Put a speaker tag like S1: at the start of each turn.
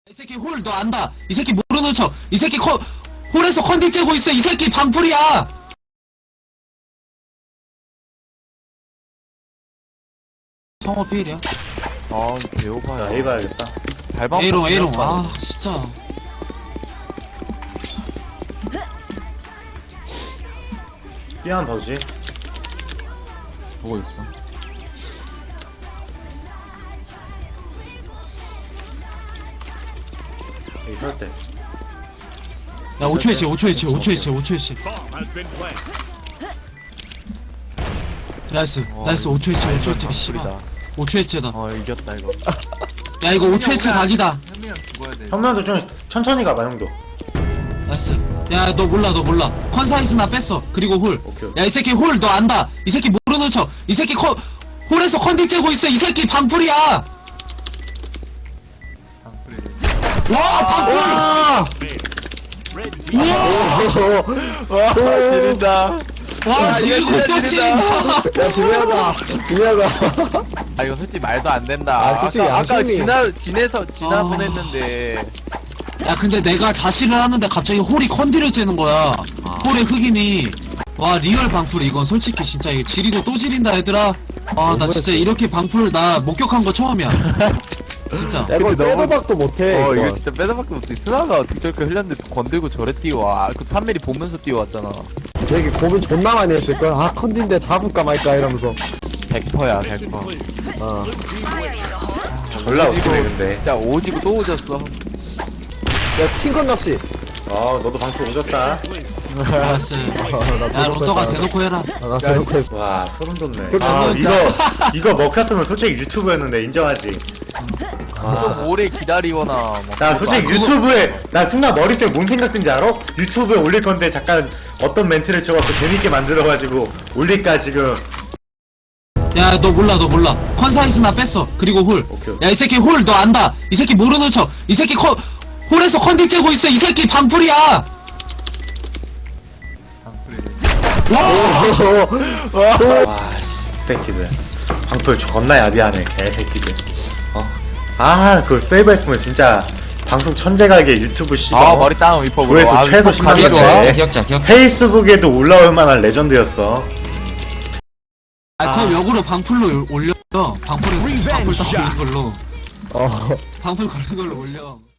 S1: 이 새끼 홀 너 안다. 이 새끼 모르는 척. 이 새끼 홀에서 컨디 째고 있어. 이 새끼 방풀이야. 성호 필이야.
S2: 아 배고파요.
S3: 나 A 봐야겠다.
S2: 발방
S1: A롱 A롱. 아 진짜.
S3: B 하나 더지.
S2: 보고 있어.
S3: A 설 때.
S1: 야 5초에 치 5초에 치 5초에 치 5초에 치. 나이스 나이스 5초에 치 5초에 치 씨발.
S2: 방풀이다.
S1: 5초에 치다.
S2: 이겼다 이거.
S1: 야 이거 5초에 치 각이다.
S2: 현민이랑 죽어야 돼.
S3: 현명도 좀 천천히 가봐 형도.
S1: 나이스. 야 너 몰라 너 몰라. 컨사이스나 뺐어. 그리고 홀.
S3: 오케이.
S1: 야 이 새끼 홀 너 안다. 이 새끼 모르는 척. 이 새끼 홀에서 컨디 째고 있어. 이 새끼 방풀이야.
S2: 방풀이.
S1: 와 방풀.
S2: 와 지린다.
S1: 와 지리고 또 지린다.
S4: 야, 분야다. 분야다.
S2: 아 이거 솔직히 말도 안 된다.
S4: 아, 솔직히
S2: 아까
S4: 양심이.
S2: 지나
S1: 아.
S2: 보냈는데.
S1: 야 근데 내가 자시를 하는데 갑자기 홀이 컨디를 째는 거야. 홀의 흑인이. 와 리얼 방풀 이건 솔직히 진짜 이거 지리고 또 지린다 얘들아. 아 나 진짜 이렇게 방풀 나 목격한 거 처음이야. 진짜.
S4: 야, 이걸
S2: 근데 너무-
S4: 빼도 박도 못해.
S2: 이거
S4: 이거.
S2: 진짜 빼다밖에 못해. 스나가 어떻게 저렇게 흘렸는데 건들고 저래 뛰어와. 그 3mm 보면서 뛰어왔잖아.
S4: 이 새끼 고민 존나 많이 했을걸. 아, 컨디인데 잡을까 말까 이러면서.
S2: 100%야 100%.
S4: 어.
S3: 졸라 웃기네 근데.
S2: 진짜 오지고 또 오졌어.
S4: 야, 킹건 낚시.
S3: 너도 방송 오졌다.
S1: 알았어. 야 론더가 대놓고 해라.
S4: 아, 나 대놓고 했어.
S3: 와 소름 돋네.
S4: 그렇죠.
S3: 아
S1: 진짜.
S3: 이거 먹혔으면 솔직히 유튜브였는데 인정하지.
S2: 좀 오래 기다리거나 뭐.
S3: 나 솔직히
S1: 그거-
S3: 유튜브에 나 순간 머릿속에 뭔 생각 든지 알아? 유튜브에 올릴 건데 잠깐 어떤 멘트를 쳐갖고 재밌게 만들어가지고 올릴까 지금.
S1: 야 너 몰라 너 몰라. 컨사이스나 뺐어. 그리고 홀.
S3: 오케이.
S1: 야 이 새끼 홀 너 안다. 이 새끼 모르는 척. 이 새끼 홀에서 컨디 째고 있어. 이 새끼 방풀이야.
S3: 와씨 새끼들 방풀 존나 야비하네 개새끼들. 그 세이버 했으면 진짜 방송 천재가게 유튜브 씨발
S2: 머리 다운 위퍼
S3: 조회수 최소 10만 명
S1: 기억자.
S3: 페이스북에도 올라올 만한 레전드였어.
S1: 그럼 역으로 방풀로 올려. 방풀 따고 걸로.
S4: 어.
S1: 방풀 걸린 걸로 올려.